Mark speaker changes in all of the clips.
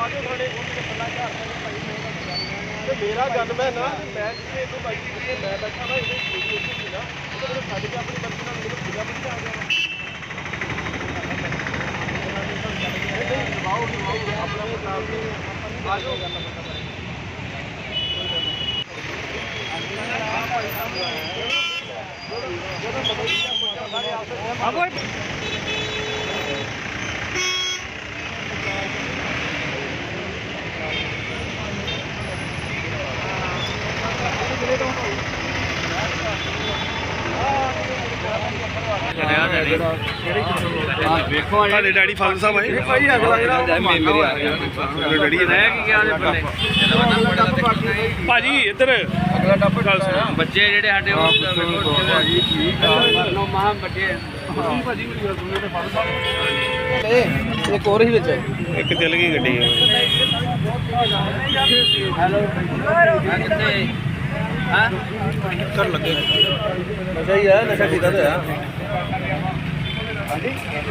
Speaker 1: मेरा गन मैं ना मैं बाइक मैं बैठा ना छड़ के अपनी बंदी ना मेरे पूजा बंदी आ गया अपना मुकाम आ जाओ
Speaker 2: ਵੇਖੋ ਸਾਡੇ ਡੈਡੀ ਫਾਦਰ ਸਾਹਿਬ ਆਏ ਭਾਈ ਅਗਲਾ ਜਿਹੜਾ ਡੈਡੀ ਭਾਜੀ ਇੱਧਰ ਅਗਲਾ ਟੱਪ ਗੱਲ ਸੁਣੋ ਬੱਚੇ ਜਿਹੜੇ ਸਾਡੇ ਉਹ ਭਾਜੀ ਠੀਕ ਆ ਨੋ ਮਾਂ ਬੱਚੇ ਭਾਜੀ ਮੇਰੀ ਗੱਲ ਸੁਣੋ ਤੇ ਫਾਦਰ ਸਾਹਿਬ ਇੱਕ ਹੋਰ ਹੀ ਵਿੱਚ ਇੱਕ ਚੱਲ ਗਈ ਗੱਡੀ ਹੈਲੋ ਕਿੱਥੇ ਹਾਂ ਕਰ ਲੱਗੇ ਨਸ਼ਾ ਹੀ ਆ ਨਸ਼ਾ ਕੀਤਾ ਤਾਂ ਆ ਹਾਂਜੀ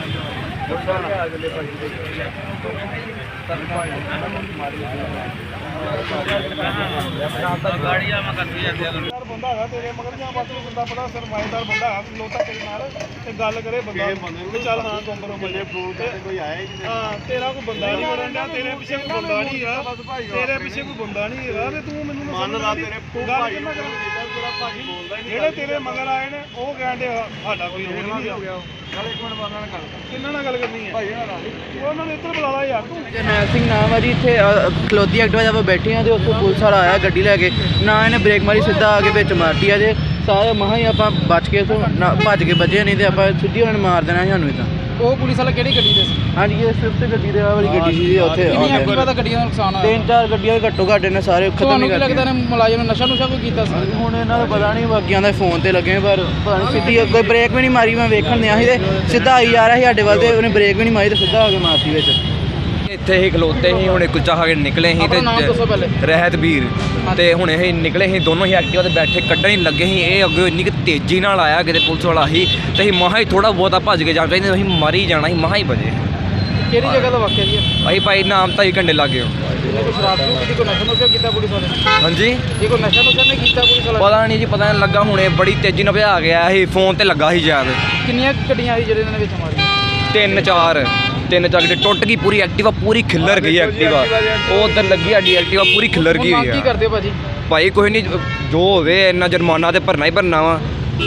Speaker 2: ਗਾੜੀਆਂ ਮੈਂ ਕਰਦੀ ਜਾਂਦੇ ਬੰਦਾ ਹੈਗਾ ਤੇਰੇ ਮਗਰ ਜਾਂ ਬਸ ਬੰਦਾ ਬੜਾ ਸਰਮਾਏਦਾਰ ਬੰਦਾ ਹੈ ਲੋਤਾ ਤੇਰੇ ਨਾਲ ਤੇ ਗੱਲ ਕਰੇ ਬੰਦਾ ਤੇ ਚੱਲ ਹਾਂ ਕੰਪਰੋਮਾਈਜ਼ ਜੇ ਫੋਨ ਤੇ ਕੋਈ ਆਇਆ ਹੀ ਨਹੀਂ ਹਾਂ ਤੇਰਾ ਕੋਈ ਬੰਦਾ ਨਹੀਂ ਮਰਨ ਡਿਆ ਤੇਰੇ ਪਿੱਛੇ ਕੋਈ ਬੰਦਾ ਨਹੀਂ ਹੈਗਾ ਤੇਰੇ ਪਿੱਛੇ ਕੋਈ ਬੰਦਾ ਨਹੀਂ ਹੈਗਾ ਤੇ ਤੂੰ ਮੈਨੂੰ ਮੰਨਦਾ ਤੇਰੇ ਭਾਈ ਤੇਰਾ ਭਾਜੀ ਬੋਲਦਾ ਨਹੀਂ ਜਿਹੜੇ ਤੇਰੇ ਮਗਰ ਆਏ ਨੇ ਉਹ ਕਹਿੰਦੇ ਸਾਡਾ ਕੋਈ ਰੋਲ ਨਹੀਂ ਹੋ ਗਿਆ ਚੱਲ ਇੱਕ ਮਿੰਟ ਬਾਅਦ ਨਾਲ ਗੱਲ ਕਿੰਨਾ ਨਾਲ ਗੱਲ ਕਰਨੀ ਹੈ ਭਾਈ ਉਹਨਾਂ ਨੇ ਇੱਧਰ ਬੁਲਾ ਲਾ ਯਾਰ ਤੂੰ
Speaker 3: ਜਰਨੈਲ ਸਿੰਘ ਨਾਮ ਹੈ ਜੀ ਇੱਥੇ ਖਲੋਤੀ ਐਕਟਿਵਾ ਜਦੋਂ ਬੈਠੇ ਆ ਤੇ ਉੱਥੋਂ ਪੁਲਿਸ ਵਾਲਾ ਆਇਆ ਗੱਡੀ ਲੈ ਕੇ ਨਾ ਇਹਨੇ ਬ੍ਰੇਕ ਮਾਰੀ ਸਿੱਧਾ ਆ ਕੇ ਵਿੱਚ ਮਾਰਤੀ ਆ ਜੇ ਸਾਰੇ ਮਹਾਂ ਹੀ ਆਪਾਂ ਬਚ ਕੇ ਤੋਂ ਭੱਜ ਕੇ ਬਚੇ ਨਹੀਂ ਤੇ ਆਪਾਂ ਸਿੱਧੀ ਉਹਨਾਂ ਨੇ ਮਾਰ ਦੇਣਾ ਸਾਨੂੰ ਇਦਾਂ
Speaker 4: ਉਹ ਪੁਲਿਸ ਵਾਲਾ ਕਿਹੜੀ ਗੱਡੀ ਦੇ ਸੀ?
Speaker 3: ਹਾਂਜੀ ਇਹ ਸਵਿਫਟ ਗੱਡੀ ਦੇ ਆ ਵਾਲੀ ਗੱਡੀ ਸੀ ਉੱਥੇ
Speaker 4: ਕਿੰਨੀ ਐਕਟਿਵਾ ਦਾ ਗੱਡੀਆਂ ਦਾ ਨੁਕਸਾਨ ਹੋਇਆ?
Speaker 3: ਤਿੰਨ ਚਾਰ ਗੱਡੀਆਂ ਘੱਟੋ ਘੱਟ ਨੇ ਸਾਰੇ ਖਤਮ
Speaker 4: ਤੁਹਾਨੂੰ
Speaker 3: ਨਹੀਂ
Speaker 4: ਕੀ ਲੱਗਦਾ ਨੇ ਮੁਲਾਜ਼ਮ ਨੇ ਨਸ਼ਾ ਨੁਸ਼ਾ ਕੋਈ ਕੀਤਾ ਸੀ?
Speaker 3: ਹੁਣ ਇਹਨਾਂ ਦਾ ਪਤਾ ਨਹੀਂ ਬਾਕੀਆਂ ਦਾ ਫੋਨ ਤੇ ਲੱਗੇ ਪਰ ਪਤਾ ਨਹੀਂ ਸਿੱਧੀ ਕੋਈ ਬ੍ਰੇਕ ਵੀ ਨਹੀਂ ਮਾਰੀ ਮੈਂ ਵੇਖਣ ਦਿਆ ਸੀ ਤੇ ਸਿੱਧਾ ਆਈ ਜਾ ਰਿਹਾ ਸੀ ਸਾਡੇ ਵੱਲ ਤੇ ਉਹਨੇ ਬ੍ਰੇਕ ਵੀ ਨਹੀਂ ਮਾਰੀ ਤੇ ਸਿੱਧਾ ਆ ਕੇ ਮਾਰਤੀ ਵਿੱਚ
Speaker 5: ਇੱਥੇ ਹੀ ਖਲੋਤੇ ਸੀ ਹੁਣੇ ਕੁਲਚਾ ਖਾ ਕੇ ਨਿਕਲੇ ਸੀ
Speaker 4: ਆਪਣਾ ਨਾਮ ਦੱਸੋ ਪਹਿਲੇ।
Speaker 5: ਰਹਿਤ ਵੀਰ ਤੇ ਹੁਣੇ ਅਸੀਂ ਨਿਕਲੇ ਸੀ ਦੋਨੋਂ ਹੀ ਐਕਟਿਵਾ ਤੇ ਬੈਠੇ ਕੱਢਣ ਹੀ ਲੱਗੇ ਸੀ ਇਹ ਅੱਗੇ ਇੰਨੀ ਕਿ ਤੇਜ਼ੀ ਨਾਲ ਆਇਆ ਕਿਤੇ ਪੁਲਿਸ ਵਾਲਾ ਸੀ ਤੇ ਅਸੀਂ ਮਹਾ ਹੀ ਥੋੜਾ ਬਹੁਤਾ ਭੱਜ ਕੇ ਜਾਣਾ ਚਾਹੀਦਾ ਅਸੀਂ ਮਾਰੀ ਜਾਣਾ ਸੀ ਮਹਾ ਹੀ ਵਜੇ
Speaker 4: ਕਿਹੜੀ ਜਗ੍ਹਾ ਦਾ ਵਾਕਿਆ ਜੀ?
Speaker 5: ਭਾਈ ਨਾਮ ਤਾਂ ਹੀ ਕੰਡੇ ਲੱਗੇ ਹੋ
Speaker 4: ਕੋਈ ਸ਼ਰਾਬ ਨੂੰ ਕਿਤੇ ਕੋਈ ਨਸ਼ਾ ਨੁਸ਼ਾ ਕੀਤਾ ਪੁਲਿਸ ਵਾਲੇ ਨੇ?
Speaker 5: ਹਾਂਜੀ
Speaker 4: ਇਹ ਕੋਈ ਨਸ਼ਾ ਨੁਸ਼ਾ ਨਹੀਂ ਕੀਤਾ ਪੁਲਿਸ ਵਾਲਾ?
Speaker 5: ਪਤਾ ਨਹੀਂ ਜੀ ਪਤਾ ਨਹੀਂ ਲੱਗਾ ਹੁਣੇ ਬੜੀ ਤੇਜ਼ੀ ਨਾਲ ਭਜਾ ਗਿਆ ਸੀ ਫੋਨ ਤੇ ਲੱਗਾ ਸੀ ਸ਼ਾਇਦ
Speaker 4: ਕਿੰਨੀਆਂ ਗੱਡੀਆਂ ਆਈ ਜਿਹੜੇ ਇਹਨਾਂ ਨੇ ਵਿੱਚ ਮਾਰੀਆਂ?
Speaker 5: ਤਿੰਨ ਚਾਰ ਗੱਡੀ ਟੁੱਟ ਗਈ ਪੂਰੀ ਐਕਟਿਵਾ ਪੂਰੀ ਖਿੱਲਰ ਗਈ ਐਕਟਿਵਾ ਉਹ ਉੱਧਰ ਲੱਗੀ ਸਾਡੀ ਐਕਟਿਵਾ ਪੂਰੀ ਖਿੱਲਰ ਗਈ ਹੋਈ
Speaker 4: ਕੀ
Speaker 5: ਆ
Speaker 4: ਕਰਦੇ ਹੋ ਭਾਜੀ?
Speaker 5: ਭਾਈ ਕੋਈ ਨਹੀਂ ਜੋ ਹੋਵੇ ਇੰਨਾ ਜੁਰਮਾਨਾ ਤੇ ਭਰਨਾ ਹੀ ਭਰਨਾ ਵਾ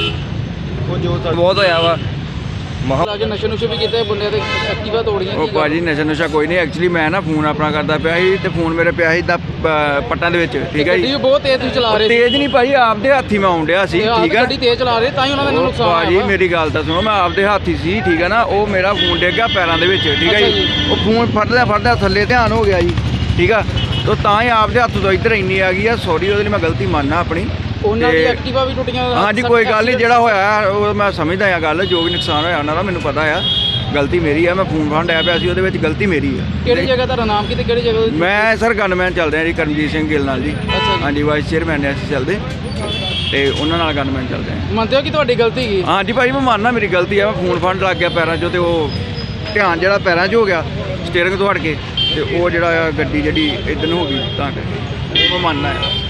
Speaker 5: ਉਹ ਜੋ ਬਹੁਤ ਹੋਇਆ ਵਾ ਮਹਾ
Speaker 4: ਲਾ ਕੇ ਨਸ਼ੇ ਨੁਸ਼ੇ ਵੀ ਕੀਤੇ ਬੰਦੇ ਤੇ ਐਕਟਿਵਾ ਤੋੜੀਆਂ
Speaker 6: ਉਹ ਭਾਜੀ ਨਸ਼ਾ ਨੁਸ਼ਾ ਕੋਈ ਨਹੀਂ ਐਕਚੁਅਲੀ ਮੈਂ ਨਾ ਫੋਨ ਆਪਣਾ ਕਰਦਾ ਪਿਆ ਸੀ ਤੇ ਫੋਨ ਮੇਰੇ ਪਿਆ ਸੀ ਪੱਟਾਂ ਦੇ ਵਿੱਚ ਠੀਕ ਹੈ
Speaker 4: ਗੱਡੀ
Speaker 6: ਜੀ
Speaker 4: ਵੀ ਬਹੁਤ ਤੇਜ਼ ਤੁਸੀਂ ਚਲਾ ਰਹੇ ਸੀ
Speaker 6: ਤੇਜ਼ ਨਹੀਂ ਭਾਜੀ ਆਪਦੇ ਹੱਥੀ ਮੈਂ ਆਉਂਦਿਆ ਸੀ ਠੀਕ ਹੈ
Speaker 4: ਗੱਡੀ ਤੇਜ਼ ਚਲਾ ਰਹੇ ਤਾਂ ਹੀ ਉਹਨਾਂ ਦਾ ਨੁਕਸਾਨ ਹੋਇਆ
Speaker 6: ਭਾਜੀ
Speaker 4: ਵਾ।
Speaker 6: ਮੇਰੀ ਗੱਲ ਤਾਂ ਸੁਣੋ ਮੈਂ ਆਪਦੇ ਹੱਥੀ ਸੀ ਠੀਕ ਹੈ ਨਾ ਉਹ ਮੇਰਾ ਫੋਨ ਡਿੱਗ ਗਿਆ ਪੈਰਾਂ ਦੇ ਵਿੱਚ ਠੀਕ ਹੈ
Speaker 4: ਅੱਛਾ
Speaker 6: ਜੀ
Speaker 4: ਜੀ।
Speaker 6: ਉਹ ਫੋਨ ਫੜਦਾ ਥੱਲੇ ਧਿਆਨ ਹੋ ਗਿਆ ਜੀ ਠੀਕ ਆ ਤਾਂ ਤਾਂ ਹੀ ਆਪਦੇ ਹੱਥ ਤੋਂ ਇੱਧਰ ਇੰਨੀ ਆ ਗਈ ਆ ਸੌਰੀ ਉਹਦੇ ਲਈ ਮੈਂ ਗਲਤੀ ਮੰਨਣਾ ਆਪਣੀ
Speaker 4: ਉਹਨਾਂ ਦੀ
Speaker 6: ਤੇ-
Speaker 4: ਐਕਟਿਵਾ ਵੀ ਟੁੱਟੀਆਂ
Speaker 6: ਹਾਂਜੀ ਕੋਈ ਗੱਲ ਨਹੀਂ ਜਿਹੜਾ ਹੋਇਆ ਉਹ ਮੈਂ ਸਮਝਦਾ ਆ ਗੱਲ ਜੋ ਵੀ ਨੁਕਸਾਨ ਹੋਇਆ ਉਹਨਾਂ ਦਾ ਮੈਨੂੰ ਪਤਾ ਆ ਗਲਤੀ ਮੇਰੀ ਆ ਮੈਂ ਫੋਨ ਫੜ ਲਿਆ ਪਿਆ ਸੀ ਉਹਦੇ ਵਿੱਚ ਗਲਤੀ ਮੇਰੀ ਆ
Speaker 4: ਕਿਹੜੀ ਜਗ੍ਹਾ ਦਾ ਨਾਮ ਕੀ ਤੇ ਕਿਹੜੀ ਜਗ੍ਹਾ ਦਾ?
Speaker 6: ਮੈਂ ਸਰ ਗਨਮੈਨ ਚੱਲਦੇ ਆ ਜੀ ਕਰਮਜੀਤ ਸਿੰਘ ਗਿੱਲ ਨਾਲ ਜੀ
Speaker 4: ਅੱਛਾ ਜੀ।
Speaker 6: ਹਾਂਜੀ ਵਾਈਸ ਚੇਅਰਮੈਨ ਨੇ ਅਸੀਂ ਚੱਲਦੇ ਤੇ ਉਹਨਾਂ ਨਾਲ ਗਨਮੈਨ ਚੱਲਦੇ ਆ
Speaker 4: ਮੰਨਦੇ ਹੋ ਕਿ ਤੁਹਾਡੀ ਗਲਤੀ ਕੀ?
Speaker 6: ਹਾਂਜੀ ਭਾਈ ਮੈਂ ਮੰਨਦਾ ਮੇਰੀ ਗਲਤੀ ਆ ਮੈਂ ਫੋਨ ਫੜ ਲੱਗ ਗਿਆ ਪੈਰਾਂ 'ਚੋਂ ਤੇ ਉਹ ਧਿਆਨ ਜਿਹੜਾ ਪੈਰਾਂ 'ਚ ਹੋ ਗਿਆ ਸਟੀਅਰਿੰਗ ਤੋਂ ਹਟ ਕੇ ਤੇ ਉਹ ਜਿਹੜਾ ਆ ਗੱਡੀ ਜਿਹੜੀ ਇੱਧਰ ਨੂੰ ਹੋ ਗਈ ਤਾਂ ਕਰਕੇ ਉਹ ਮੈਂ ਮੰਨਦਾ ਆ